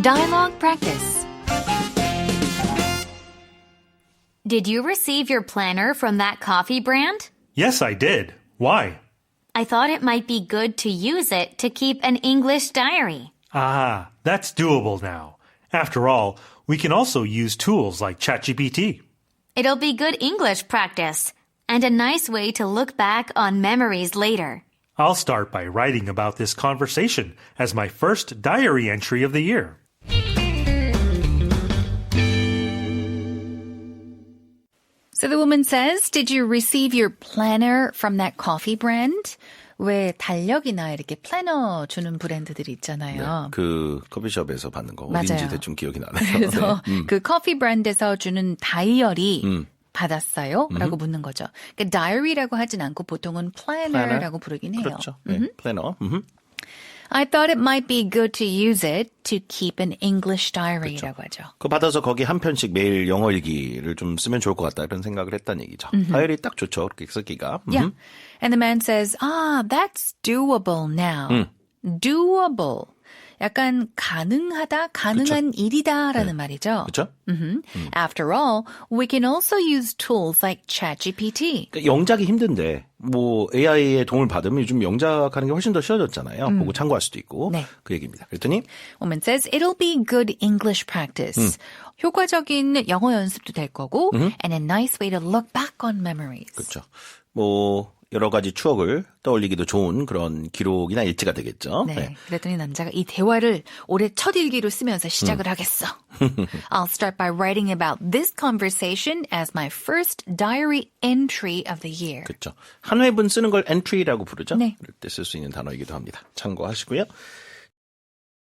Dialogue practice. Did you receive your planner from that coffee brand? Yes, I did. Why? I thought it might be good to use it to keep an English diary. Ah, that's doable now. After all, we can also use tools like ChatGPT. It'll be good English practice and a nice way to look back on memories later. I'll start by writing about this conversation as my first diary entry of the year. So the woman says, did you receive your planner from that coffee brand? 왜 달력이나 이렇게 플래너 주는 브랜드들이 있잖아요. 그 커피숍에서 받는 거 맞아요. 어딘지 대충 기억이 나네요. 그래서 네. 그 커피 브랜드에서 주는 다이어리 받았어요? 라고 묻는 거죠. 그러니까 다이어리라고 하진 않고 보통은 플래너라고 부르긴 해요. 그렇죠. 네, 플래너. I thought it might be good to use it to keep an English diary라고 하죠. 그거 받아서 거기 한 편씩 매일 영어 일기를 좀 쓰면 좋을 것 같다 이런 생각을 했다는 얘기죠. 다이어리 딱 좋죠. 그렇게 쓰기가. Yeah. And the man says, that's doable now. Doable. 약간 가능하다, 가능한 일이다라는 말이죠. 그렇죠? After all, we can also use tools like ChatGPT. 그러니까 영작이 힘든데 뭐 AI의 도움을 받으면 요즘 영작하는 게 훨씬 더 쉬워졌잖아요. 보고 참고할 수도 있고. 네. 그 얘기입니다. 그랬더니 Woman says it'll be good English practice. 효과적인 영어 연습도 될 거고 and a nice way to look back on memories. 그렇죠. 뭐 여러 가지 추억을 떠올리기도 좋은 그런 기록이나 일지가 되겠죠. 네. 그랬더니 남자가 이 대화를 올해 첫 일기로 쓰면서 시작을 하겠어. I'll start by writing about this conversation as my first diary entry of the year. 그렇죠. 한 회분 쓰는 걸 entry라고 부르죠. 네. 그럴 때 쓸 수 있는 단어이기도 합니다. 참고하시고요.